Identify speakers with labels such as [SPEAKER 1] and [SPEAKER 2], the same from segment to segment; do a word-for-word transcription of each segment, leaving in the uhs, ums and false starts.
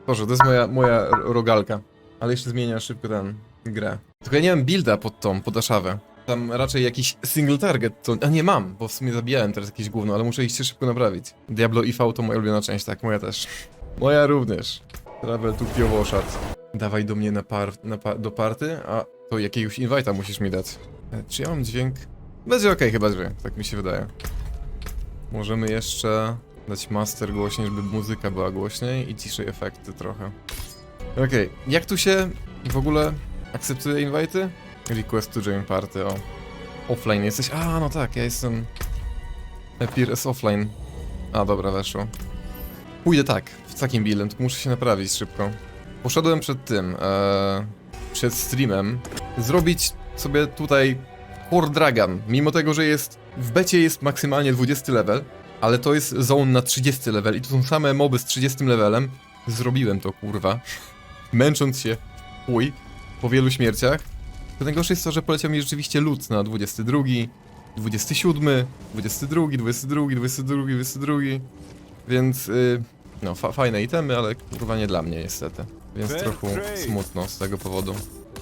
[SPEAKER 1] Boże, to jest moja, moja rogalka. Ale jeszcze zmienia szybko ten grę. Tylko ja nie mam builda pod tą, pod Ashawę. Tam raczej jakiś single target, to... A nie mam, bo w sumie zabijałem teraz jakieś gówno, ale muszę iść się szybko naprawić. Diablo I V to moja ulubiona część, tak, moja też. Moja również. Travel to Piowoszat. Dawaj do mnie na par, na pa, do party, a to jakiegoś invite'a musisz mi dać. E, czy ja mam dźwięk? Będzie okej, chyba dźwięk, tak mi się wydaje. Możemy jeszcze dać master głośniej, żeby muzyka była głośniej i ciszej efekty trochę. Okej, okay. Jak tu się w ogóle akceptuje invite'y? Request to join party, o. Offline jesteś? A, no tak, ja jestem... Appear as offline. A, dobra, weszło. Pójdę tak, w takim buildem, tylko muszę się naprawić szybko. Poszedłem przed tym, ee, przed streamem, zrobić sobie tutaj Core Dragon, mimo tego, że jest, w becie jest maksymalnie dwudziesty level, ale to jest zone na trzydziesty level i to są same moby z trzydziestym levelem. Zrobiłem to, kurwa. Męcząc się, chuj, po wielu śmierciach. To najgorsze jest to, że poleciał mi rzeczywiście loot na dwudziesty drugi, dwudziesty siódmy, dwudziesty drugi, dwudziesty drugi, dwudziesty drugi, dwudziesty drugi. Więc, yy, no, fa fajne itemy, ale kurwa nie dla mnie niestety. Więc trochę smutno z tego powodu.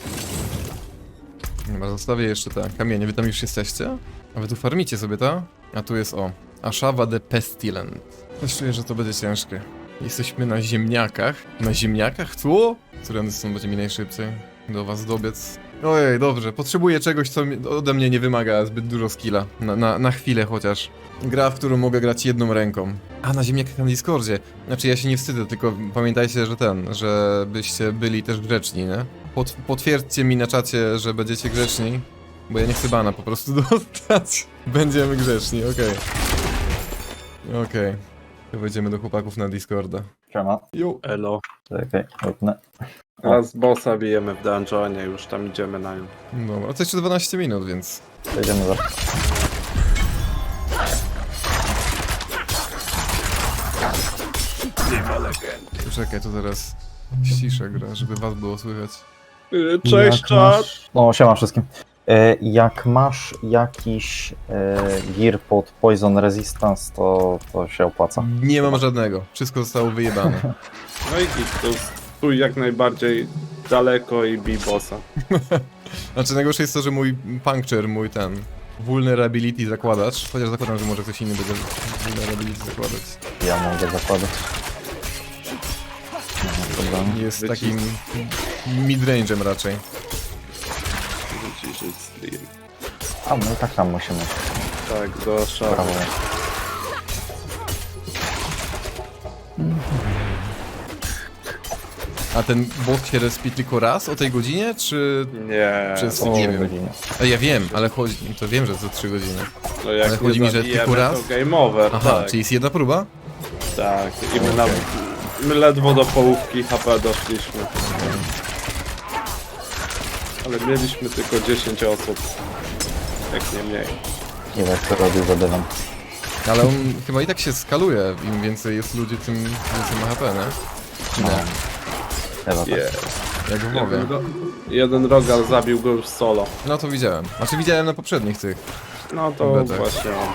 [SPEAKER 1] Dobra, zostawię jeszcze te kamienie. Wy tam już jesteście? A wy tu farmicie sobie, ta? A tu jest, o, Ashava the Pestilent. Coś czuję, że to będzie ciężkie. Jesteśmy na ziemniakach. Na ziemniakach? Tu? Którędy stąd będzie mi najszybciej do was dobiec. Ojej, dobrze. Potrzebuję czegoś, co ode mnie nie wymaga zbyt dużo skilla. Na, na, na chwilę chociaż. Gra, w którą mogę grać jedną ręką. A, na ziemniakach na Discordzie. Znaczy, ja się nie wstydzę, tylko pamiętajcie, że ten, żebyście byli też grzeczni, nie? Pot potwierdźcie mi na czacie, że będziecie grzeczni, bo ja nie chcę bana po prostu dostać. Będziemy grzeczni, okej. Okay. Okej. Okay. To wejdziemy do chłopaków na Discorda.
[SPEAKER 2] Siema.
[SPEAKER 1] Jo.
[SPEAKER 3] Elo.
[SPEAKER 2] Czekaj, lutnę.
[SPEAKER 3] Teraz bossa bijemy w dungeonie, już tam idziemy na nią.
[SPEAKER 1] Dobra, a to jeszcze dwanaście minut, więc...
[SPEAKER 2] Przejdziemy za...
[SPEAKER 1] Czekaj, to teraz ściszę gra, żeby was było słychać.
[SPEAKER 3] Cześć,
[SPEAKER 2] Jak
[SPEAKER 3] czat!
[SPEAKER 2] masz- No, siema wszystkim. E, jak masz jakiś e, gear pod Poison Resistance, to, to się opłaca.
[SPEAKER 1] Nie mam żadnego, wszystko zostało wyjebane.
[SPEAKER 3] No i git, to stój jak najbardziej daleko i bij bossa.
[SPEAKER 1] Znaczy najgorsze jest to, że mój puncture, mój ten... Vulnerability zakładacz, chociaż zakładam, że może ktoś inny będzie vulnerability zakładać.
[SPEAKER 2] Ja mogę zakładać. No, dobra.
[SPEAKER 1] Jest
[SPEAKER 3] Wyci-
[SPEAKER 1] takim midrange'em raczej.
[SPEAKER 3] Wyciszyć stream.
[SPEAKER 2] A, no i tak tam musimy.
[SPEAKER 3] Tak, do szafy.
[SPEAKER 2] Brawo.
[SPEAKER 1] A ten bot się respi tylko raz o tej godzinie, czy...
[SPEAKER 3] Nie,
[SPEAKER 1] Przez-
[SPEAKER 2] O,
[SPEAKER 1] nie wiem.
[SPEAKER 2] godzinie.
[SPEAKER 1] A ja wiem, ale chodzi... To wiem, że za trzy godziny.
[SPEAKER 3] no jak
[SPEAKER 1] ale chodzi
[SPEAKER 3] nie
[SPEAKER 1] mi, że
[SPEAKER 3] zabijemy,
[SPEAKER 1] tylko raz?
[SPEAKER 3] to game over,
[SPEAKER 1] Aha,
[SPEAKER 3] tak.
[SPEAKER 1] czyli jest jedna próba?
[SPEAKER 3] Tak, i my,
[SPEAKER 1] Okej.
[SPEAKER 3] nam, my ledwo do połówki H P doszliśmy. Ale mieliśmy tylko dziesięć osób. Jak nie mniej.
[SPEAKER 2] Nie wiem, co robił za dewem.
[SPEAKER 1] Ale on chyba i tak się skaluje, im więcej jest ludzi, tym więcej ma H P, nie? Czy
[SPEAKER 2] No.
[SPEAKER 1] nie?
[SPEAKER 2] Chyba tak.
[SPEAKER 3] Yeah.
[SPEAKER 1] Jak w mowie.
[SPEAKER 3] Jeden, ro- jeden rogal zabił go już solo.
[SPEAKER 1] No to widziałem. Znaczy widziałem na poprzednich tych.
[SPEAKER 3] No to
[SPEAKER 1] Betach.
[SPEAKER 3] właśnie on.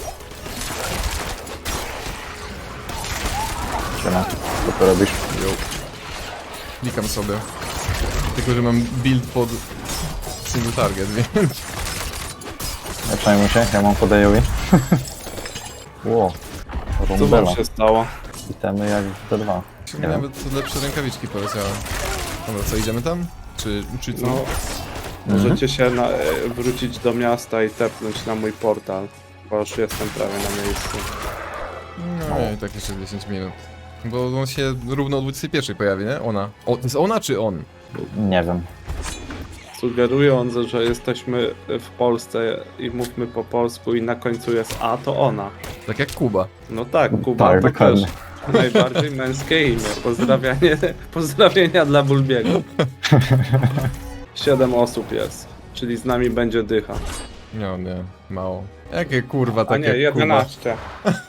[SPEAKER 2] Siema. Co to robisz?
[SPEAKER 1] Jo. Klikam sobie. Tylko, że mam build pod single target, więc...
[SPEAKER 2] Nie przejmuj się, ja mam podejowi. Ło.
[SPEAKER 3] Co
[SPEAKER 2] Rundela.
[SPEAKER 3] wam się stało?
[SPEAKER 2] Itemy jak w D dwa. Nie wiem.
[SPEAKER 1] Nawet lepsze rękawiczki poleciały. Dobra, co, idziemy tam? Czy, czy co?
[SPEAKER 3] No, możecie się na, e, wrócić do miasta i tepnąć na mój portal. Bo już jestem prawie na miejscu.
[SPEAKER 1] No i tak jeszcze dziesięć minut. Bo on się równo o dwudziestej pierwszej pojawi, nie? Ona. O, to jest ona czy on?
[SPEAKER 2] Nie wiem.
[SPEAKER 3] Sugerując, że jesteśmy w Polsce i mówmy po polsku i na końcu jest A, to ona.
[SPEAKER 1] Tak jak Kuba.
[SPEAKER 3] No tak, Kuba
[SPEAKER 2] Tak,
[SPEAKER 3] to
[SPEAKER 2] dokładnie.
[SPEAKER 3] też najbardziej męskie imię. Pozdrawianie, pozdrowienia dla Bulbiego. Siedem osób jest, czyli z nami będzie dycha.
[SPEAKER 1] No nie, mało. Jakie kurwa,
[SPEAKER 3] A
[SPEAKER 1] tak
[SPEAKER 3] nie,
[SPEAKER 1] jak Kuba.
[SPEAKER 3] jedenaście.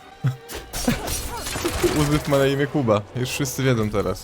[SPEAKER 1] Uzbyw ma na imię Kuba. Już wszyscy wiedzą teraz.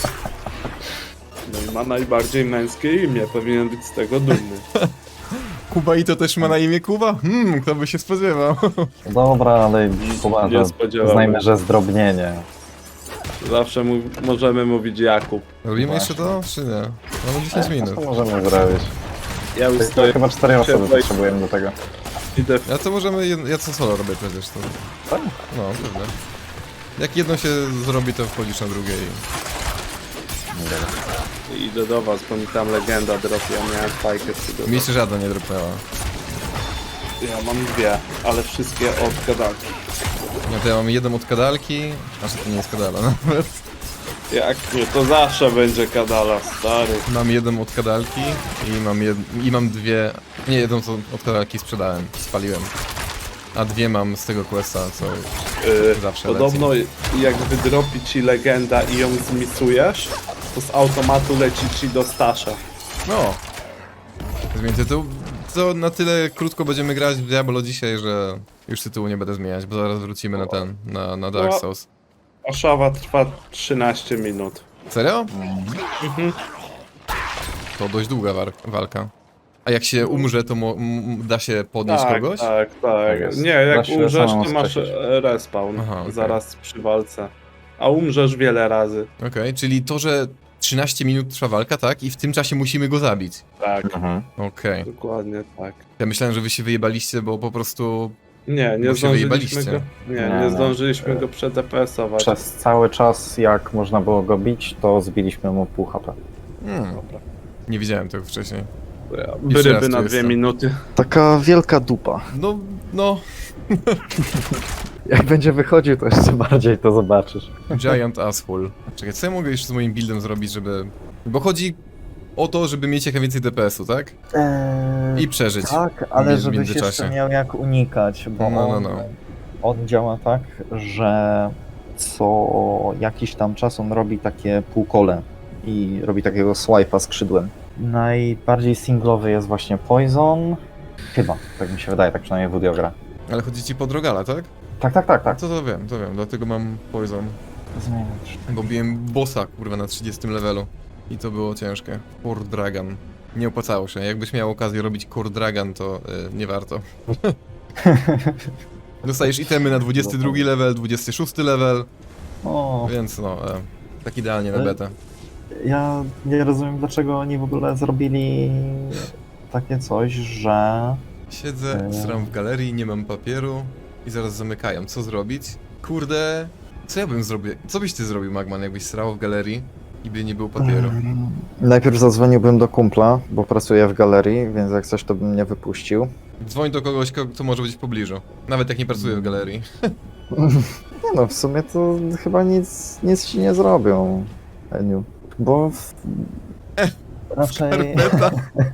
[SPEAKER 3] No i ma najbardziej męskie imię, powinien być z tego dumny.
[SPEAKER 1] Kuba i to też ma na imię Kuba? Hmm, kto by się spodziewał?
[SPEAKER 2] Dobra, ale
[SPEAKER 3] Nie
[SPEAKER 2] poważnie,
[SPEAKER 3] spodziewałem.
[SPEAKER 2] uznajmy, że zdrobnienie.
[SPEAKER 3] Zawsze mu możemy mówić Jakub.
[SPEAKER 1] Robimy
[SPEAKER 2] Właśnie.
[SPEAKER 1] jeszcze to, czy nie? Mamy dziesięć minut.
[SPEAKER 2] Co możemy zrobić?
[SPEAKER 3] Ja już
[SPEAKER 2] To
[SPEAKER 3] stoję,
[SPEAKER 2] chyba cztery osoby
[SPEAKER 3] Siedzę i-
[SPEAKER 2] potrzebujemy do tego.
[SPEAKER 3] idę w...
[SPEAKER 1] Ja to możemy, jed... ja co solo robię przecież to.
[SPEAKER 2] Tak?
[SPEAKER 1] No, pewnie. Jak jedno się zrobi, to wchodzisz na drugie i...
[SPEAKER 3] idę do was, bo mi tam legenda dropi, ja miałem fajkę przygotować.
[SPEAKER 1] Mi się żadna nie dropnęła.
[SPEAKER 3] Ja mam dwie, ale wszystkie od gadalki.
[SPEAKER 1] No to ja mam jedną od kadalki, aż to nie jest kadala nawet.
[SPEAKER 3] Jak nie, to zawsze będzie kadala, stary.
[SPEAKER 1] Mam jedną od kadalki i mam, jed... i mam dwie... Nie, jedną co od kadalki sprzedałem, spaliłem. A dwie mam z tego questa, co...
[SPEAKER 3] Yy,
[SPEAKER 1] Zawsze
[SPEAKER 3] podobno jak wydropi ci legenda i ją zmisujesz, to z automatu leci ci do stasza.
[SPEAKER 1] No. Zmień tytuł. To na tyle krótko będziemy grać w Diablo dzisiaj, że już tytułu nie będę zmieniać, bo zaraz wrócimy na ten, na, na Dark
[SPEAKER 3] No.
[SPEAKER 1] Souls.
[SPEAKER 3] A szawa trwa trzynaście minut.
[SPEAKER 1] Serio?
[SPEAKER 3] Mhm.
[SPEAKER 1] To dość długa war- walka. A jak się umrze, to mo- m- da się podnieść
[SPEAKER 3] Tak,
[SPEAKER 1] kogoś?
[SPEAKER 3] tak, tak.
[SPEAKER 2] jest.
[SPEAKER 3] Nie, jak
[SPEAKER 2] Da się
[SPEAKER 3] umrzesz,
[SPEAKER 2] samemu
[SPEAKER 3] to masz
[SPEAKER 2] skreślić.
[SPEAKER 3] e, respawn
[SPEAKER 1] Aha, okej.
[SPEAKER 3] zaraz przy walce. A umrzesz wiele razy.
[SPEAKER 1] Okej, czyli to, że trzynaście minut trwa walka, tak? I w tym czasie musimy go zabić.
[SPEAKER 3] Tak,
[SPEAKER 2] Mhm.
[SPEAKER 1] Okej.
[SPEAKER 3] dokładnie tak.
[SPEAKER 1] Ja myślałem, że wy się wyjebaliście, bo po prostu...
[SPEAKER 3] Nie, nie
[SPEAKER 1] Bo się
[SPEAKER 3] zdążyliśmy
[SPEAKER 1] wyjebaliście.
[SPEAKER 3] go. Nie,
[SPEAKER 2] Nie,
[SPEAKER 3] nie
[SPEAKER 2] no.
[SPEAKER 3] zdążyliśmy go przed D P S-ować.
[SPEAKER 2] Przez cały czas, jak można było go bić, to zbiliśmy mu pół H P.
[SPEAKER 1] Hmm,
[SPEAKER 3] Dobra.
[SPEAKER 1] nie widziałem tego wcześniej.
[SPEAKER 3] To ja
[SPEAKER 1] Jeszcze raz
[SPEAKER 3] Ryby
[SPEAKER 1] tu
[SPEAKER 3] na dwie
[SPEAKER 1] jestem.
[SPEAKER 3] minuty.
[SPEAKER 2] Taka wielka dupa.
[SPEAKER 1] No, no...
[SPEAKER 2] Jak będzie wychodził, to jeszcze bardziej to zobaczysz.
[SPEAKER 1] Giant asshole. Czekaj, co ja mogę jeszcze z moim buildem zrobić, żeby... Bo chodzi o to, żeby mieć jak najwięcej D P S u, tak?
[SPEAKER 2] Eee,
[SPEAKER 1] I przeżyć.
[SPEAKER 2] tak, ale
[SPEAKER 1] w
[SPEAKER 2] żebyś
[SPEAKER 1] międzyczasie.
[SPEAKER 2] jeszcze miał jak unikać, bo
[SPEAKER 1] No, no,
[SPEAKER 2] on,
[SPEAKER 1] no.
[SPEAKER 2] on działa tak, że co jakiś tam czas on robi takie półkole i robi takiego swipe'a skrzydłem. Najbardziej singlowy jest właśnie Poison. Chyba, tak mi się wydaje, tak przynajmniej Wudio gra.
[SPEAKER 1] Ale chodzi ci po Drogala, tak?
[SPEAKER 2] Tak, tak, tak, tak.
[SPEAKER 1] To to wiem, to wiem, dlatego mam Poison.
[SPEAKER 2] Zmieniać.
[SPEAKER 1] Bo biłem bossa, kurwa, na trzydziestym levelu. I to było ciężkie. Core Dragon. Nie opłacało się. Jakbyś miał okazję robić Core Dragon, to y, nie warto. Dostajesz itemy na dwudziesty drugi level, dwudziesty szósty level,
[SPEAKER 2] O,
[SPEAKER 1] więc no, e, tak idealnie na
[SPEAKER 2] Ale-
[SPEAKER 1] betę.
[SPEAKER 2] ja nie rozumiem, dlaczego oni w ogóle zrobili takie coś, że...
[SPEAKER 1] Siedzę,
[SPEAKER 2] Eee.
[SPEAKER 1] sram w galerii, nie mam papieru i zaraz zamykają. Co zrobić? Kurde, co ja bym zrobił? Co byś ty zrobił, Magman, jakbyś srał w galerii i by nie było papieru?
[SPEAKER 2] Mm, Najpierw zadzwoniłbym do kumpla, bo pracuję w galerii, więc jak coś, to bym mnie wypuścił.
[SPEAKER 1] Dzwoń do kogoś, ko- kto może być w pobliżu. Nawet jak nie pracuje w galerii.
[SPEAKER 2] Nie no, w sumie to chyba nic, nic ci nie zrobią, Eniu. Bo w... raczej...
[SPEAKER 1] Karpeta.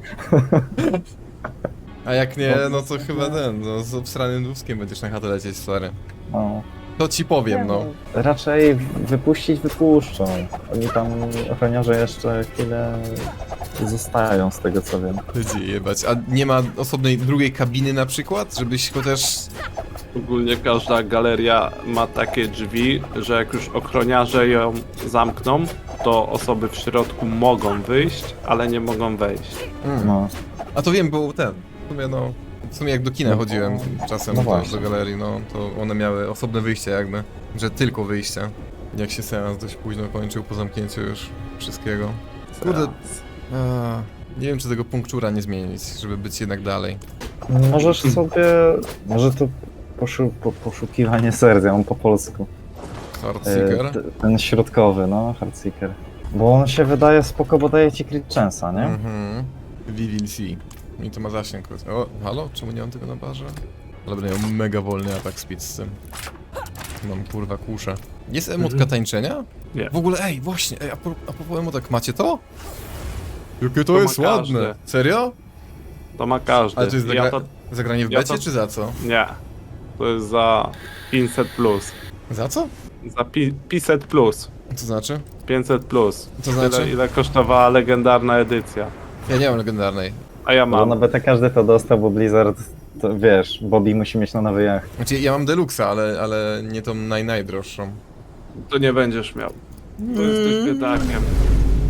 [SPEAKER 1] A jak nie, no to chyba ten, no z obsranym duskiem będziesz na chatę lecieć, stary.
[SPEAKER 2] No.
[SPEAKER 1] To ci powiem, no.
[SPEAKER 2] Raczej wypuścić wypuszczą. Oni tam, ochroniarze jeszcze chwilę zostają z tego co wiem.
[SPEAKER 1] Będzie jebać. A nie ma osobnej drugiej kabiny na przykład? Żebyś chociaż...
[SPEAKER 3] Ogólnie każda galeria ma takie drzwi, że jak już ochroniarze ją zamkną, to osoby w środku mogą wyjść, ale nie mogą wejść.
[SPEAKER 1] Mm.
[SPEAKER 2] No.
[SPEAKER 1] A to wiem, bo ten... W sumie no... W sumie jak do kina
[SPEAKER 2] No,
[SPEAKER 1] chodziłem czasem
[SPEAKER 2] no
[SPEAKER 1] do,
[SPEAKER 2] właśnie.
[SPEAKER 1] do galerii, no to one miały osobne wyjście jakby. Że tylko wyjście. Jak się seans dość późno kończył po zamknięciu już wszystkiego. Kurde, a, nie wiem czy tego punkczura nie zmienić, żeby być jednak dalej.
[SPEAKER 2] Możesz sobie... Może to poszu, po, poszukiwanie serc, ja mam po polsku.
[SPEAKER 1] Hardseeker.
[SPEAKER 2] E, t- ten środkowy, no, Hardseeker. Bo on się wydaje spoko, bo daje ci crit chance'a, nie?
[SPEAKER 1] Mhm. We will see. I to ma zasięg. O, halo? Czemu nie mam tego na barze? Ale będę miał mega wolny atak speed z tym. Mam kurwa kuszę. Jest emotka
[SPEAKER 3] Mhm.
[SPEAKER 1] tańczenia?
[SPEAKER 3] Nie.
[SPEAKER 1] W ogóle, ej, właśnie, ej, a, pro, a propos emotek, macie to? Jakie to,
[SPEAKER 3] To ma
[SPEAKER 1] jest ładne.
[SPEAKER 3] każdy.
[SPEAKER 1] Serio?
[SPEAKER 3] To ma każdy.
[SPEAKER 1] Ale to jest
[SPEAKER 3] ja
[SPEAKER 1] zagra
[SPEAKER 3] to...
[SPEAKER 1] zagranie w
[SPEAKER 3] ja
[SPEAKER 1] becie,
[SPEAKER 3] to-
[SPEAKER 1] czy za co?
[SPEAKER 3] Nie. To jest za pięćset plus.
[SPEAKER 1] Za co?
[SPEAKER 3] Za pi pięćset plus.
[SPEAKER 1] Co znaczy?
[SPEAKER 3] pięćset plus.
[SPEAKER 1] To znaczy?
[SPEAKER 3] Tyle, ile kosztowała legendarna edycja.
[SPEAKER 1] Ja nie mam legendarnej.
[SPEAKER 3] A ja
[SPEAKER 2] Bo
[SPEAKER 3] mam.
[SPEAKER 2] na betę każdy to dostał, bo Blizzard, to wiesz, Bobby musi mieć na nowy jacht.
[SPEAKER 1] Znaczy, ja mam deluxa, ale, ale nie tą naj, najdroższą.
[SPEAKER 3] To nie będziesz miał. To jesteś biedakiem.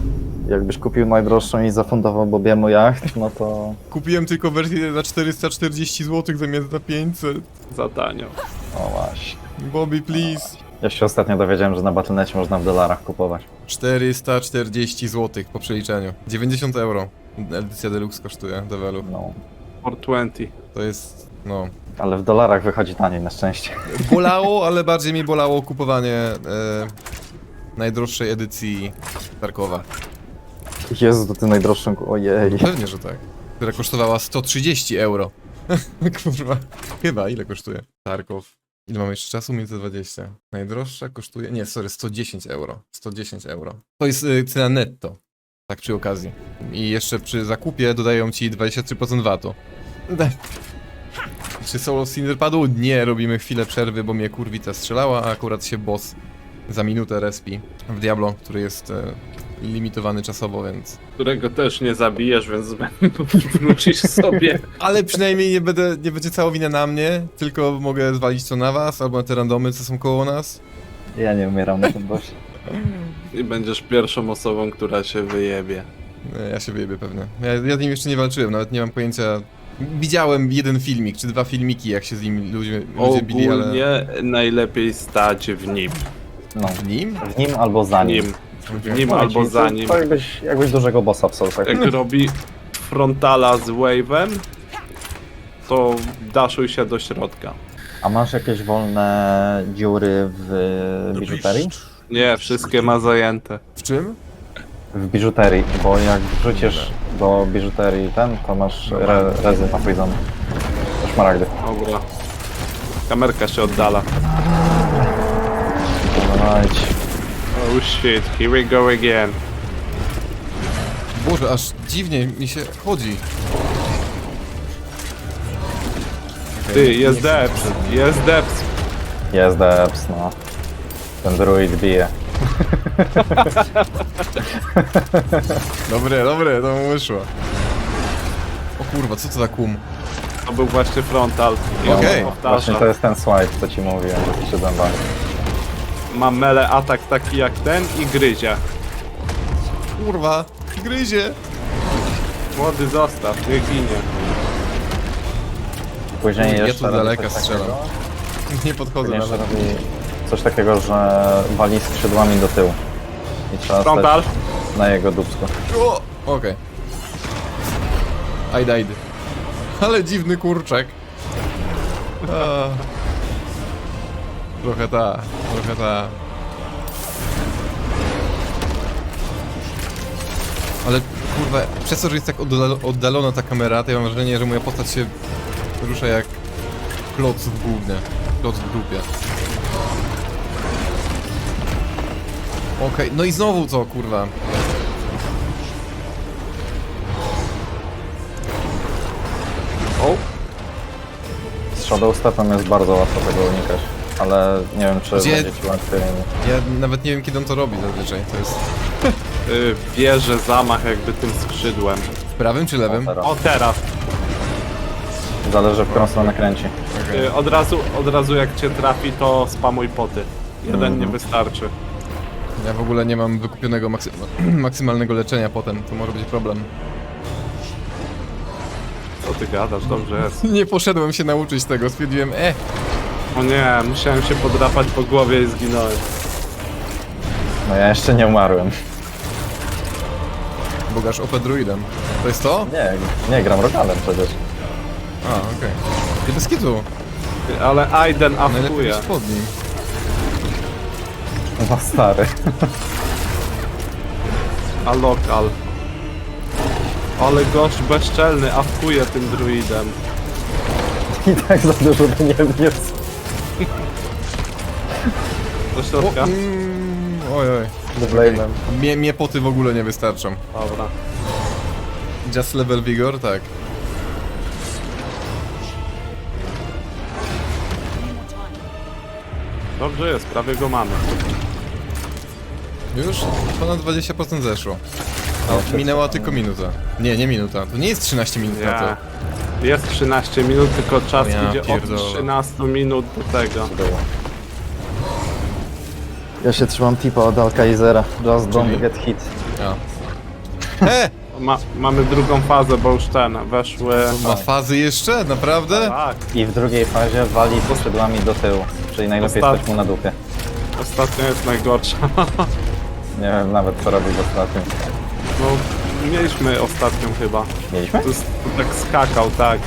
[SPEAKER 2] Jakbyś kupił najdroższą i zafundował Bobiemu jacht, no to...
[SPEAKER 1] Kupiłem tylko wersję za czterysta czterdzieści złotych zamiast za pięćset.
[SPEAKER 3] Za tanio.
[SPEAKER 2] O właśnie.
[SPEAKER 1] Bobby, please.
[SPEAKER 2] Ja się ostatnio dowiedziałem, że na Battle dot necie można w dolarach kupować.
[SPEAKER 1] czterysta czterdzieści złotych po przeliczeniu. dziewięćdziesiąt euro. Edycja Deluxe kosztuje, Develu.
[SPEAKER 2] No.
[SPEAKER 3] czterysta dwadzieścia.
[SPEAKER 1] To jest, no...
[SPEAKER 2] Ale w dolarach wychodzi taniej, na szczęście.
[SPEAKER 1] Bolało, ale bardziej mi bolało kupowanie e, najdroższej edycji Tarkowa.
[SPEAKER 2] Jezu, to ty najdroższą... Ojej.
[SPEAKER 1] Pewnie, że tak. Która kosztowała sto trzydzieści euro. Kurwa. Chyba, ile kosztuje? Tarkow. Ile mamy jeszcze czasu? Minutę dwadzieścia. Najdroższa kosztuje... Nie, sorry, sto dziesięć euro. sto dziesięć euro. To jest y, cena netto. Tak przy okazji. I jeszcze przy zakupie dodają ci dwadzieścia trzy procent vatu. Czy solo Cinder padł? Nie, robimy chwilę przerwy, bo mnie kurwica strzelała, a akurat się boss za minutę respi w Diablo, który jest e, limitowany czasowo, więc...
[SPEAKER 3] Którego też nie zabijesz, więc wrócisz sobie.
[SPEAKER 1] Ale przynajmniej nie, będę, nie będzie cała wina na mnie, tylko mogę zwalić to na was, albo na te randomy, co są koło nas.
[SPEAKER 2] Ja nie umieram na tym bossie.
[SPEAKER 3] I będziesz pierwszą osobą, która się wyjebie.
[SPEAKER 1] E, Ja się wyjebię pewnie. Ja, ja z nim jeszcze nie walczyłem, nawet nie mam pojęcia... Widziałem jeden filmik, czy dwa filmiki, jak się z nim ludzie, ludzie bili, ale...
[SPEAKER 3] Ogólnie najlepiej stać w nim.
[SPEAKER 2] No.
[SPEAKER 1] W nim?
[SPEAKER 2] W nim albo za
[SPEAKER 3] W
[SPEAKER 2] nim.
[SPEAKER 3] nim.
[SPEAKER 1] Okej.
[SPEAKER 3] W nim
[SPEAKER 2] Mówię
[SPEAKER 3] albo
[SPEAKER 2] ci,
[SPEAKER 3] za
[SPEAKER 2] to-
[SPEAKER 3] nim.
[SPEAKER 2] To jakbyś, jakbyś dużego bossa w Soulsach.
[SPEAKER 3] Jak robi frontala z wave'em, to daszuj się do środka.
[SPEAKER 2] A masz jakieś wolne dziury w biżuterii?
[SPEAKER 3] Nie, wszystkie ma zajęte.
[SPEAKER 1] W czym?
[SPEAKER 2] W biżuterii, bo jak wrzucisz do biżuterii ten, to masz re, rezy na poison. Szmaragdy.
[SPEAKER 3] Dobra. Kamerka się oddala.
[SPEAKER 2] Dawajcie.
[SPEAKER 3] Oh shit, here we go again.
[SPEAKER 1] Boże, aż dziwnie mi się chodzi. Okej,
[SPEAKER 3] Ty,
[SPEAKER 1] nie
[SPEAKER 3] jest
[SPEAKER 1] chcę
[SPEAKER 3] deps,
[SPEAKER 1] przed nim.
[SPEAKER 3] jest deps.
[SPEAKER 2] Jest deps, no. Ten druid bije.
[SPEAKER 1] Dobre, dobre, to mu wyszło. O kurwa, co to za kum?
[SPEAKER 3] To był właśnie frontal. I
[SPEAKER 1] Okej.
[SPEAKER 3] on
[SPEAKER 2] Właśnie
[SPEAKER 3] powtarza.
[SPEAKER 2] to jest ten swipe, co ci mówiłem, że się zębami.
[SPEAKER 3] Ma mele atak taki jak ten i gryzie.
[SPEAKER 1] Kurwa, gryzie.
[SPEAKER 3] Młody zostaw, nie ginie.
[SPEAKER 2] Później
[SPEAKER 1] Ja
[SPEAKER 2] jeszcze
[SPEAKER 1] tu z
[SPEAKER 2] robi
[SPEAKER 1] daleka
[SPEAKER 2] coś
[SPEAKER 1] strzelam.
[SPEAKER 2] takiego-
[SPEAKER 1] Nie podchodzę
[SPEAKER 2] Później jeszcze
[SPEAKER 1] nawet.
[SPEAKER 2] robi coś takiego, że wali skrzydłami do tyłu. I trzeba
[SPEAKER 3] Frontal.
[SPEAKER 2] stać na jego dupsku.
[SPEAKER 1] O! Okej. I died. Ale dziwny kurczak. A. Trochę ta, trochę ta. Ale kurwa, przez to, że jest tak oddalo- oddalona ta kamera, to ja mam wrażenie, że moja postać się rusza jak kloc w gównie. Kloc w dupie. Okej, no i znowu co, kurwa?
[SPEAKER 3] O,
[SPEAKER 2] Z Shadow Stepem jest bardzo łatwo tego unikać. Ale nie wiem, czy
[SPEAKER 1] Gdzie-
[SPEAKER 2] będzie ci łatwiej.
[SPEAKER 1] Ja nawet nie wiem, kiedy on to robi zazwyczaj. To jest
[SPEAKER 3] y, bierze zamach jakby tym skrzydłem.
[SPEAKER 1] w prawym czy lewym?
[SPEAKER 2] Teraz.
[SPEAKER 3] O, teraz.
[SPEAKER 2] Zależy, w którą stronę kręci.
[SPEAKER 1] Okej.
[SPEAKER 3] Y, od, razu, od razu jak cię trafi, to spamuj poty. Jeden
[SPEAKER 2] Mhm.
[SPEAKER 3] nie wystarczy.
[SPEAKER 1] Ja w ogóle nie mam wykupionego maksy maksymalnego leczenia potem, to może być problem.
[SPEAKER 3] Co ty gadasz? Dobrze jest.
[SPEAKER 1] Nie poszedłem się nauczyć tego, stwierdziłem, e,
[SPEAKER 3] O nie, musiałem się podrapać po głowie i zginąłem.
[SPEAKER 2] No ja jeszcze nie umarłem.
[SPEAKER 1] bogaż O P druidem. To jest to?
[SPEAKER 2] Nie, nie gram Rogalem przecież.
[SPEAKER 1] A, okej. Okay. Bez kitu.
[SPEAKER 3] Ty, Ale Aiden
[SPEAKER 1] Najlepiej
[SPEAKER 3] afkuje.
[SPEAKER 1] być pod nim.
[SPEAKER 2] No stary.
[SPEAKER 3] A lokal. Ale gość bezczelny afkuje tym druidem.
[SPEAKER 2] I tak za dużo to nie wniósł.
[SPEAKER 3] Do środka?
[SPEAKER 1] Mm, oj, oj.
[SPEAKER 2] Blade'em.
[SPEAKER 1] Mnie, mnie poty w ogóle nie wystarczą.
[SPEAKER 3] Dobra.
[SPEAKER 1] Just level vigor, tak.
[SPEAKER 3] Dobrze jest, prawie go mamy.
[SPEAKER 1] Już ponad dwadzieścia procent zeszło. A minęła tylko minuta. Nie, nie minuta. To nie jest trzynaście minut na to.
[SPEAKER 3] Nie. Jest trzynaście minut, tylko czas
[SPEAKER 1] O ja
[SPEAKER 3] idzie
[SPEAKER 1] pierdolę.
[SPEAKER 3] od trzynastu minut do tego.
[SPEAKER 2] Ja się trzymam tipa od Alkaizera. Just
[SPEAKER 1] Czyli?
[SPEAKER 2] don't get hit.
[SPEAKER 1] A. E!
[SPEAKER 3] Ma, mamy drugą fazę, bo już ten, weszły...
[SPEAKER 1] Ma fazy jeszcze? Naprawdę?
[SPEAKER 3] Tak,
[SPEAKER 2] I w drugiej fazie wali skrzydłami do tyłu. Czyli najlepiej
[SPEAKER 3] Ostat-
[SPEAKER 2] stać mu na dupie.
[SPEAKER 3] ostatnia jest najgorsza.
[SPEAKER 2] Nie wiem nawet co robić ostatnio.
[SPEAKER 3] No, mieliśmy ostatnią chyba.
[SPEAKER 2] Mieliśmy?
[SPEAKER 3] To, jest, to tak skakał, tak.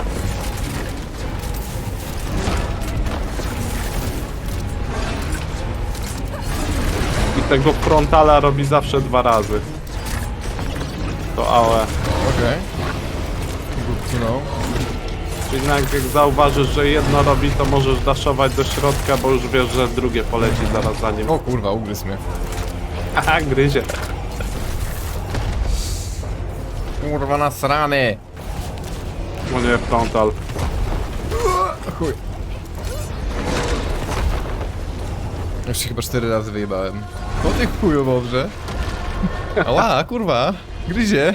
[SPEAKER 3] I tego frontala robi zawsze dwa razy. To A O E.
[SPEAKER 1] Okej. Good to know.
[SPEAKER 3] Czyli jak, jak zauważysz, że jedno robi, to możesz daszować do środka, bo już wiesz, że drugie poleci zaraz za nim.
[SPEAKER 1] O kurwa, ugryzł mnie.
[SPEAKER 3] Aha, gryzie.
[SPEAKER 1] Kurwa nasrany!
[SPEAKER 3] O nie, frontal.
[SPEAKER 1] Chuj. Już się chyba cztery razy wyjebałem. O ty chuju dobrze. Ała, kurwa. Gryzie.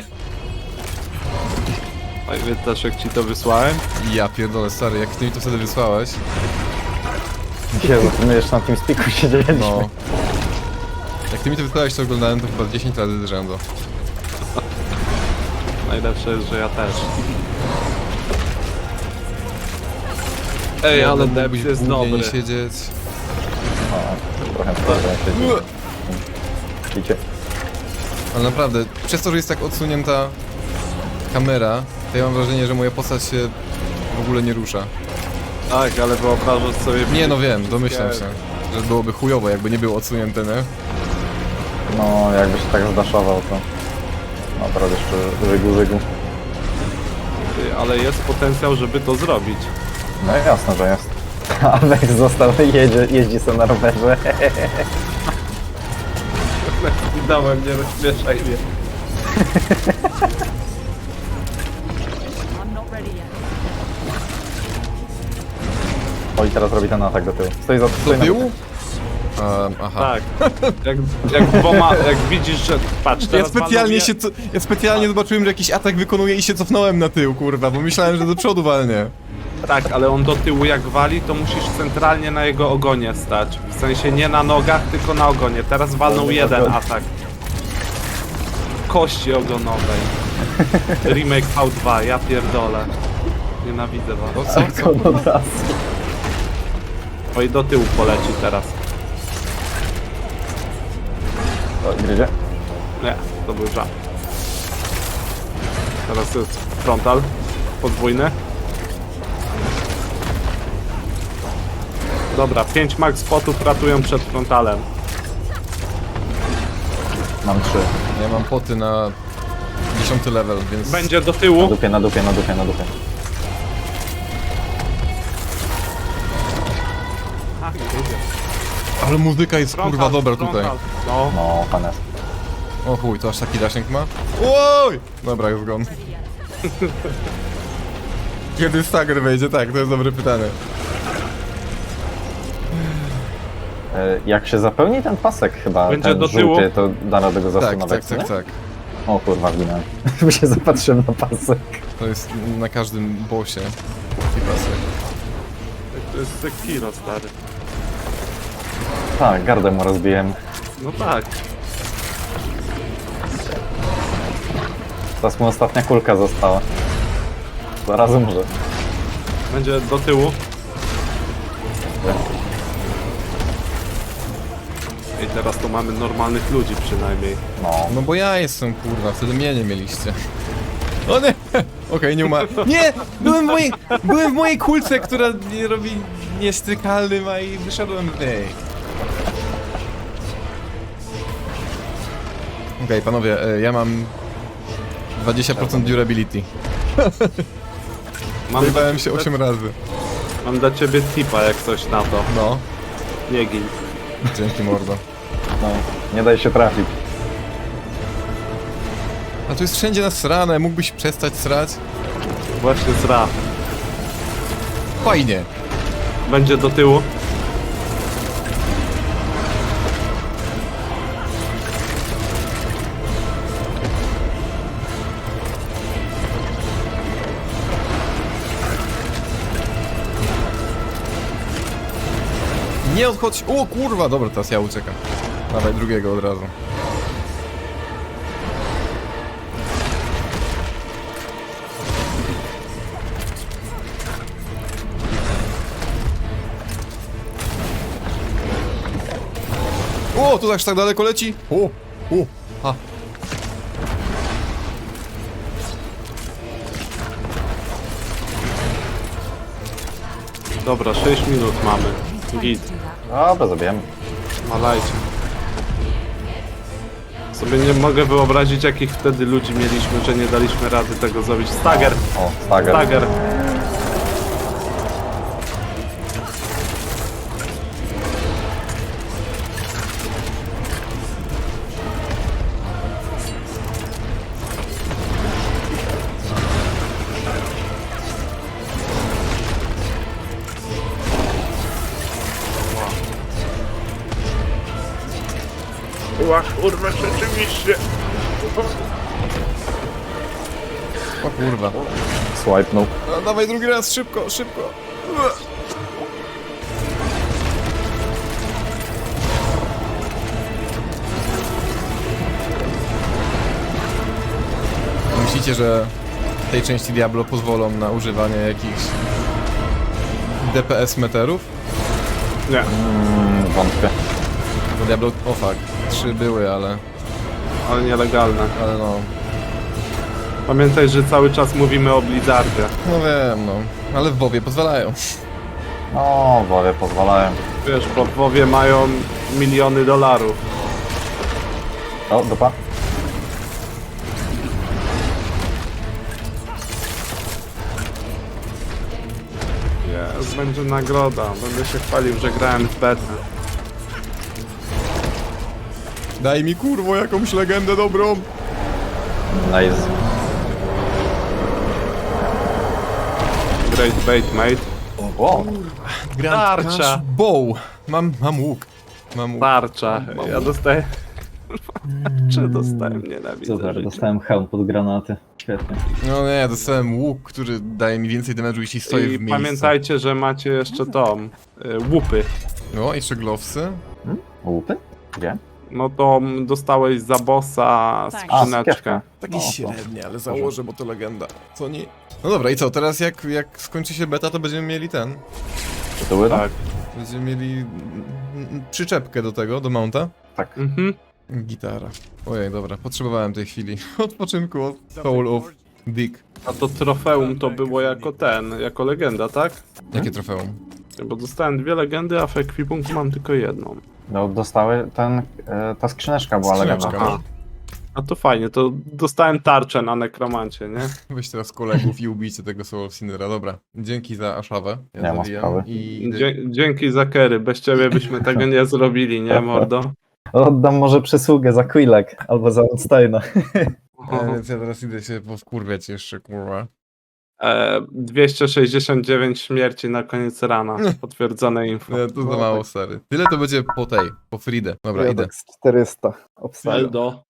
[SPEAKER 3] Pamiętasz jak ci to wysłałem?
[SPEAKER 1] Ja pierdolę, stary, jak ty mi to wtedy wysłałeś.
[SPEAKER 2] Jezu, my jeszcze na tym spiku siedzieliśmy.
[SPEAKER 1] No. Jak ty mi to wysłałeś, to oglądałem to chyba dziesięć razy z rzędu.
[SPEAKER 3] Najlepsze jest, że ja też. Ej, ale debs jest
[SPEAKER 1] Głównie nie
[SPEAKER 3] dobry.
[SPEAKER 1] siedzieć.
[SPEAKER 2] O, trochę wtedy siedzi. Widzicie?
[SPEAKER 1] Ale naprawdę, przez to, że jest tak odsunięta kamera, to ja mam wrażenie, że moja postać się w ogóle nie rusza.
[SPEAKER 3] Tak, ale wyobrażasz sobie...
[SPEAKER 1] Nie no wiem, domyślam się, że byłoby chujowo, jakby nie było odsunięte, nie?
[SPEAKER 2] No, jakby się tak zdaszował, to naprawdę jeszcze żygu, żygu.
[SPEAKER 3] Ty, ale jest potencjał, żeby to zrobić.
[SPEAKER 2] No jasne, że jest. A Vex został, jedzie, jeździ sobie na rowerze.
[SPEAKER 3] I dałem, nie rozśmieszaj mnie.
[SPEAKER 4] I'm not ready yet.
[SPEAKER 2] O, i teraz robi ten atak do tyłu. Stoi za
[SPEAKER 1] Do
[SPEAKER 2] stoi na
[SPEAKER 1] tyłu?
[SPEAKER 2] dupie.
[SPEAKER 1] Um, aha.
[SPEAKER 3] Tak. Jak, jak dwoma, jak widzisz, że... Patrz,
[SPEAKER 1] Ja
[SPEAKER 3] teraz
[SPEAKER 1] specjalnie
[SPEAKER 3] panowie-
[SPEAKER 1] się, co, ja specjalnie zobaczyłem, że jakiś atak wykonuje i się cofnąłem na tył, kurwa, bo myślałem, że do przodu walnie.
[SPEAKER 3] Tak, ale on do tyłu jak wali, to musisz centralnie na jego ogonie stać. W sensie nie na nogach, tylko na ogonie. Teraz walnął jeden atak. Kości ogonowej. Remake V dwa, ja pierdolę. Nienawidzę was.
[SPEAKER 1] O co? co?
[SPEAKER 2] On od razu.
[SPEAKER 3] Oj, do tyłu poleci teraz.
[SPEAKER 2] O, gryzie.
[SPEAKER 3] Nie, to był żart. Teraz jest frontal. Podwójny. Dobra, pięć max spotów ratują przed frontalem.
[SPEAKER 2] Mam trzy.
[SPEAKER 1] Ja mam poty na dziesiąty level, więc...
[SPEAKER 3] Będzie do
[SPEAKER 2] Na
[SPEAKER 3] tyłu.
[SPEAKER 2] dupie, na dupie, na dupie, na dupie.
[SPEAKER 3] Ach, idzie.
[SPEAKER 1] Ale muzyka jest kurwa
[SPEAKER 3] Frontal,
[SPEAKER 1] dobra tutaj.
[SPEAKER 3] frontal. No,
[SPEAKER 2] No, panes.
[SPEAKER 1] O chuj, to aż taki dasięg ma? Oj! Dobra, jest gon. Kiedy stagger wejdzie? Tak, to jest dobre pytanie.
[SPEAKER 2] E, Jak się zapełni ten pasek chyba,
[SPEAKER 3] Będzie
[SPEAKER 2] ten
[SPEAKER 3] do
[SPEAKER 2] żółty,
[SPEAKER 3] tyłu?
[SPEAKER 2] to da radę go
[SPEAKER 1] Tak,
[SPEAKER 2] zasuwać,
[SPEAKER 1] tak,
[SPEAKER 2] co
[SPEAKER 1] tak,
[SPEAKER 2] nie?
[SPEAKER 1] tak.
[SPEAKER 2] O kurwa, wginąłem. Bo się zapatrzyłem na pasek.
[SPEAKER 1] To jest na każdym bossie. Taki pasek.
[SPEAKER 3] to jest Sekiro, stary.
[SPEAKER 2] Tak, gardę mu rozbiłem.
[SPEAKER 3] No tak.
[SPEAKER 2] Teraz mu ostatnia kulka została. Zaraz umrze.
[SPEAKER 3] Będzie do tyłu. I teraz to mamy normalnych ludzi przynajmniej.
[SPEAKER 2] No.
[SPEAKER 1] No bo ja jestem kurwa, wtedy mnie nie mieliście. O nie! Okej, nie umarł. Nie! Byłem w mojej, byłem w mojej kulce, która nie robi niestykalnym, a i wyszedłem w niej. Okej, panowie, e, ja mam dwadzieścia procent durability.
[SPEAKER 3] Mam,
[SPEAKER 1] Zajebałem się osiem razy.
[SPEAKER 3] mam dla ciebie tipa jak coś na to.
[SPEAKER 1] No,
[SPEAKER 3] Nie gin.
[SPEAKER 1] dzięki mordo.
[SPEAKER 2] No, nie daj się trafić.
[SPEAKER 1] A tu jest wszędzie nasrane, mógłbyś przestać srać?
[SPEAKER 3] Właśnie zra.
[SPEAKER 1] Fajnie.
[SPEAKER 3] Będzie do tyłu.
[SPEAKER 1] Nie odchodź. O kurwa, dobra, teraz ja uciekam. Dawaj drugiego od razu. O, tu aż tak daleko leci. O, o, a.
[SPEAKER 3] Dobra, sześć minut mamy. Git.
[SPEAKER 2] Dobra, zabijemy.
[SPEAKER 3] Malajcie. Sobie nie mogę wyobrazić, jakich wtedy ludzi mieliśmy, że nie daliśmy rady tego zrobić. Stagger!
[SPEAKER 2] O, stagger.
[SPEAKER 3] Stagger! Ła, kurwa, rzeczywiście!
[SPEAKER 1] O kurwa.
[SPEAKER 2] Swipenął.
[SPEAKER 1] No, dawaj drugi raz, szybko, szybko. Myślicie, że w tej części Diablo pozwolą na używanie jakichś D P S meterów?
[SPEAKER 3] Nie.
[SPEAKER 2] Mm, wątpię.
[SPEAKER 1] Bo Diablo, o fuck, trzy były, ale,
[SPEAKER 3] Ale nielegalne.
[SPEAKER 1] ale no,
[SPEAKER 3] Pamiętaj, że cały czas mówimy o Blizzardzie.
[SPEAKER 1] no wiem, no, ale w WoWie pozwalają.
[SPEAKER 2] No, wowie pozwalają.
[SPEAKER 3] Wiesz, bo w WoWie mają miliony dolarów.
[SPEAKER 2] O, dupa.
[SPEAKER 3] Jest, będzie nagroda. Będę się chwalił, że grałem w betę.
[SPEAKER 1] Daj mi kurwo jakąś legendę dobrą.
[SPEAKER 2] Nice.
[SPEAKER 3] Great bait, mate.
[SPEAKER 2] O,
[SPEAKER 1] Grand
[SPEAKER 3] Tarcza.
[SPEAKER 1] Crash Bow. Mam, mam łuk. Mam łuk.
[SPEAKER 3] Tarcza. Ja dostaję... Czy dostałem? Nienawidzę
[SPEAKER 2] super,
[SPEAKER 3] życia.
[SPEAKER 2] dostałem hełm pod granaty. Świetnie.
[SPEAKER 1] No nie, dostałem łuk, który daje mi więcej damage'u, jeśli stoję w
[SPEAKER 3] I
[SPEAKER 1] miejscu.
[SPEAKER 3] pamiętajcie, że macie jeszcze tą... y, łupy.
[SPEAKER 1] No, jeszcze glowsy.
[SPEAKER 2] Łupy? Gdzie?
[SPEAKER 3] No to mm, dostałeś za bossa
[SPEAKER 2] A,
[SPEAKER 3] skrzyneczkę.
[SPEAKER 2] sakiewka.
[SPEAKER 1] Takie
[SPEAKER 2] No, to-
[SPEAKER 1] średnie, ale założę, bo to legenda. Co nie? No dobra, i co, teraz jak, jak skończy się beta, to będziemy mieli ten.
[SPEAKER 2] Czy to były?
[SPEAKER 3] Tak.
[SPEAKER 1] Będziemy mieli mm, mm, przyczepkę do tego, do mounta.
[SPEAKER 2] Tak.
[SPEAKER 3] Mhm.
[SPEAKER 1] Gitara. Ojej, dobra, potrzebowałem tej chwili. Odpoczynku od Soul of Dick.
[SPEAKER 3] A to trofeum to było jako ten, jako legenda, tak?
[SPEAKER 1] Jakie trofeum?
[SPEAKER 3] Bo dostałem dwie legendy, a w ekwipunku mam tylko jedną.
[SPEAKER 2] No, dostały ten, e, ta skrzyneczka była
[SPEAKER 1] Skrzyneczka.
[SPEAKER 2] legenda.
[SPEAKER 3] Aha. A to fajnie, to dostałem tarczę na nekromancie, nie?
[SPEAKER 1] Weź teraz kolegów i ubijcie tego Soul of Cindera. Dobra, dzięki za Aszawę. Ja
[SPEAKER 2] Nie ma
[SPEAKER 1] zawijam
[SPEAKER 2] sprawy.
[SPEAKER 1] i idę-
[SPEAKER 3] Dzie dzięki za kery, bez ciebie byśmy tego nie zrobili, nie mordo?
[SPEAKER 2] Oddam może przysługę za Quillek albo za Oldsteina.
[SPEAKER 1] E, więc ja teraz idę się powkurwiać jeszcze, kurwa.
[SPEAKER 3] E, dwieście sześćdziesiąt dziewięć śmierci na koniec rana, potwierdzone info.
[SPEAKER 1] Nie, to za mało, stary. Tyle to będzie po tej, po Fridę. Dobra,
[SPEAKER 2] Ja
[SPEAKER 1] idę.
[SPEAKER 2] tak z czterysta obstawiam.
[SPEAKER 3] Eldo.